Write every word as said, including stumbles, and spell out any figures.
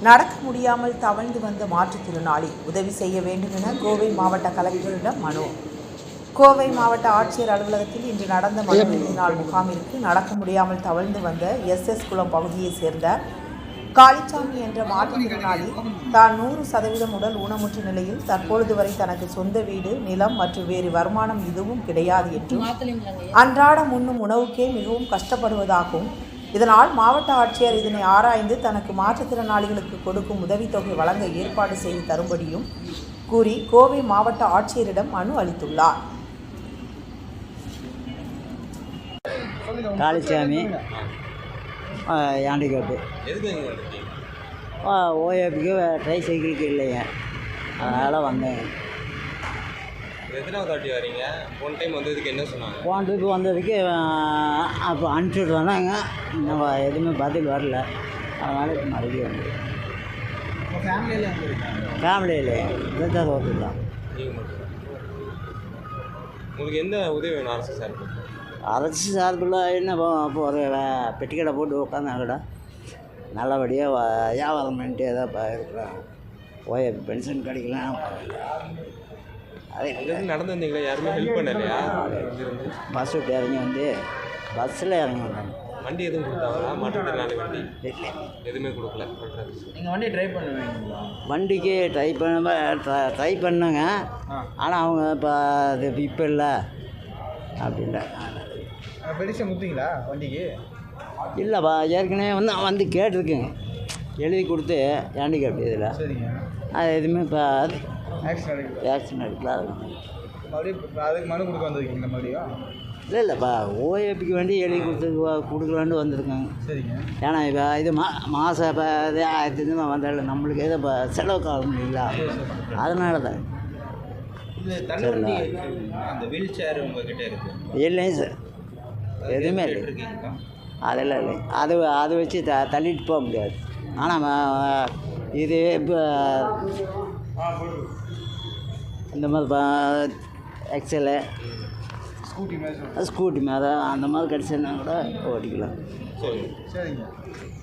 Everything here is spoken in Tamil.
நடக்க முடியாமல் தவழ்ந்து வந்த மாற்றுத்திறனாளி உதவி செய்ய வேண்டும் என கோவை மாவட்ட கலெக்டரிடம் மனு. கோவை மாவட்ட ஆட்சியர் அலுவலகத்தில் இன்று நடந்த மனு இறுதி நாள் முகாமிற்கு நடக்க முடியாமல் தவழ்ந்து வந்த எஸ் எஸ் குளம் பகுதியைச் சேர்ந்த காளிச்சாமி என்ற மாற்றுத்திறனாளி தான் நூறு சதவீதம் உடல் ஊனமுற்ற நிலையில் தற்பொழுது வரை தனக்கு சொந்த வீடு, நிலம் மற்றும் வேறு வருமானம் எதுவும் கிடையாது என்றும் அன்றாடம் உண்ணும் உணவுக்கே மிகவும் கஷ்டப்படுவதாகவும், இதனால் மாவட்ட ஆட்சியர் இதனை ஆராய்ந்து தனக்கு மாற்றுத்திறனாளிகளுக்கு கொடுக்கும் உதவித்தொகை வழங்க ஏற்பாடு செய்து தரும்படியும் கூறி கோவை மாவட்ட ஆட்சியரிடம் மனு அளித்துள்ளார். காளிச்சாமி ஹேண்டிகேப்பு ஓஏபிக்கு ட்ரை சைக்கிளுக்கு இல்லைங்க, அதனால் வந்தேங்க. எத்தனாவது வாட்டி வரீங்க? போன டைம் வந்ததுக்கு என்ன சொன்னாங்க? போன ட்ரிப்பு வந்ததுக்கு அப்போ அனுப்பிச்சுட்டு வந்தாங்க, நம்ம எதுவுமே பதில் வரல, அதனால் இப்போ மறுபடியும் வந்து ஃபேமிலியில் இதுதான் ஓட்டுலாம். நீங்கள் மட்டும் உங்களுக்கு எந்த உதவி வேணும் அரசு சார்பு? அரசு சார்பில் என்ன இப்போ ஒரு பெட்டிக்கடை போட்டு உட்காந்தா கூட நல்லபடியாக வியாபாரம் பண்ணிட்டு ஏதோ இருக்கிறாங்க. ஓஏ பென்ஷன் கிடைக்கலாம். அதே நடந்து வந்தீங்களா? யாருமே ஹெல்ப் பண்ணலையா? பஸ் விட்டு இறங்கி வந்து பஸ்ஸில் இறங்கி வந்தாங்க. வண்டி எதுவும் கொடுத்தாங்களா? மாற்றுத்திறனாளி வண்டி எதுவுமே கொடுக்கல. நீங்கள் வண்டி ட்ரை பண்ணுவீங்களா? வண்டிக்கு ட்ரை பண்ண ட்ரை பண்ணாங்க, ஆனால் அவங்க இப்போ அது இப்போ இல்லை அப்படின்ல. பெருசாக முட்டிங்களா வண்டிக்கு? இல்லைப்பா, ஏற்கனவே வந்து வந்து கேட்டிருக்கேங்க, எழுதி கொடுத்து ஹேண்டிகேப் இதில். சரிங்க. அது எதுவுமே இப்போ ஆக்சிடென்ட் எடுக்கல. ஆக்சிடென்ட் எடுக்கலாம். மறுபடியும் அதுக்கு மனு கொடுக்க வந்திருக்கீங்க மறுபடியும்? இல்லை இல்லைப்பா, ஓஏபிக்கு வேண்டி எழுதி கொடுத்து கொடுக்கலான்னு வந்திருக்காங்க. சரிங்க. ஏன்னா இப்போ இது மா மாதம் இப்போ இது ஆயிரத்தி ஐநூறுபா வந்தாலும் நம்மளுக்கு எதோ இப்போ செலவுக்கு ஆகும் இல்லைங்களா, அதனால தான். சரிங்களா. அந்த வீல் சேர் உங்ககிட்ட இருக்குது? இல்லைங்க சார், எதுவுமே இல்லை. அதெல்லாம் இல்லை, அது அதை வச்சு த தள்ளிட்டு போக முடியாது. ஆனால் இது இப்போ இந்த மாதிரி எக்ஸலு ஸ்கூட்டி மேலே ஸ்கூட்டி மேலே அந்த மாதிரி கிடச்சுன்னா கூட ஓட்டிக்கலாம். சரிங்க.